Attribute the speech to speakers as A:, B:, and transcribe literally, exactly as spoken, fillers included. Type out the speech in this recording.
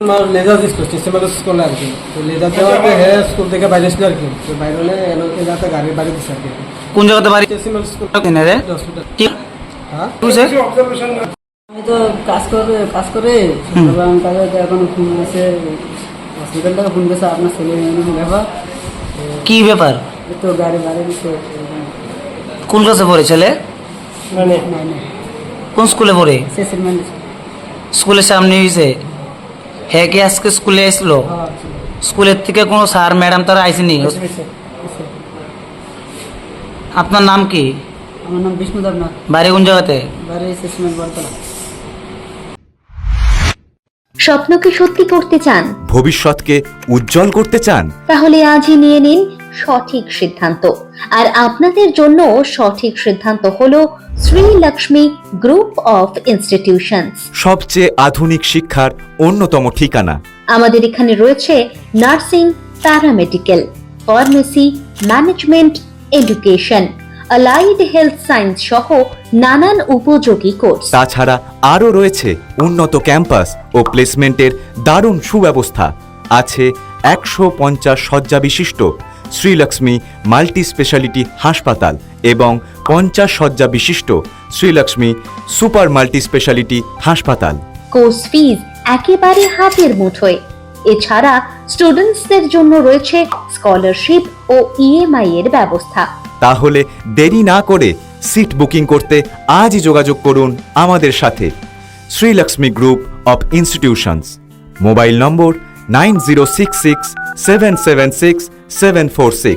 A: আমার laser school সিস্টেমের school আর কি, তো লেজার দেওয়াতে হ্যাঁ স্কুল থেকে বাইরে ছিল আর কি, তো বাইরে হলে এলোকে যাতে গাড়ি বাড়ি দিচ্ছে আর কি।
B: কোন জায়গাতে বাড়ি?
A: সিস্টেমের স্কুল
B: কিনে রে কি
A: হ্যাঁ
B: তুইছে
C: আমি তো কাজ করে কাজ করে আমি তাদের এখন ফোন আছে হসপিটাল থেকে ফোন করেছে আপনার ছেলে ব্যাপার
B: কি ব্যাপার?
C: এই তো গাড়ি বাড়ি দিচ্ছে
B: কোন ক্লাসে পড়ে ছেলে?
A: মানে
B: কোন স্কুলে পড়ে?
C: শেষের মানে
B: স্কুলের সামনে হয়েছে? হ্যাঁ কি আজকে স্কুলে আসলো? স্কুলের থেকে কোনো স্যার ম্যাডাম তারা আইসেনি? আপনার নাম কি?
C: আমার নাম বিষ্ণু দেবনাথ।
B: বাড়ি কোন জায়গাতে?
C: বাড়ি শেষমের বলতলা।
D: স্বপ্নকে সত্যি করতে চান,
E: ভবিষ্যৎকে উজ্জ্বল করতে চান,
D: তাহলে আজই নিয়ে নিন সঠিক সিদ্ধান্ত। আর আপনাদের জন্য সঠিক সিদ্ধান্ত হলো Shri Lakshmi group of institutions.
E: সবচেয়ে আধুনিক শিক্ষার অন্যতম ঠিকানা।
D: আমাদের এখানে রয়েছে nursing, paramedical, pharmacy, management, education, allied health science সহ নানান উপযোগী কোর্স।
E: তাছাড়া আরও রয়েছে উন্নত ক্যাম্পাস ও প্লেসমেন্টের দারুণ সুব্যবস্থা। আছে একশো পঞ্চাশ শয্যা বিশিষ্ট শ্রীলক্ষ্মী মাল্টি স্পেশালিটি হাসপাতাল এবং পঞ্চাশ শয্যা বিশিষ্ট শ্রীলক্ষ্মী সুপার মাল্টি স্পেশালিটি হাসপাতাল।
D: কোর্স ফিজ একেবারে হাতের মুঠোয়। এছাড়া স্টুডেন্টসদের জন্য রয়েছে স্কলারশিপ ও ইএমআই এর ব্যবস্থা।
E: তাহলে দেরি না করে সিট বুকিং করতে আজই যোগাযোগ করুন আমাদের সাথে। Srilakshmi group of institutions. Mobile number nine zero six six seven seven six seven four six.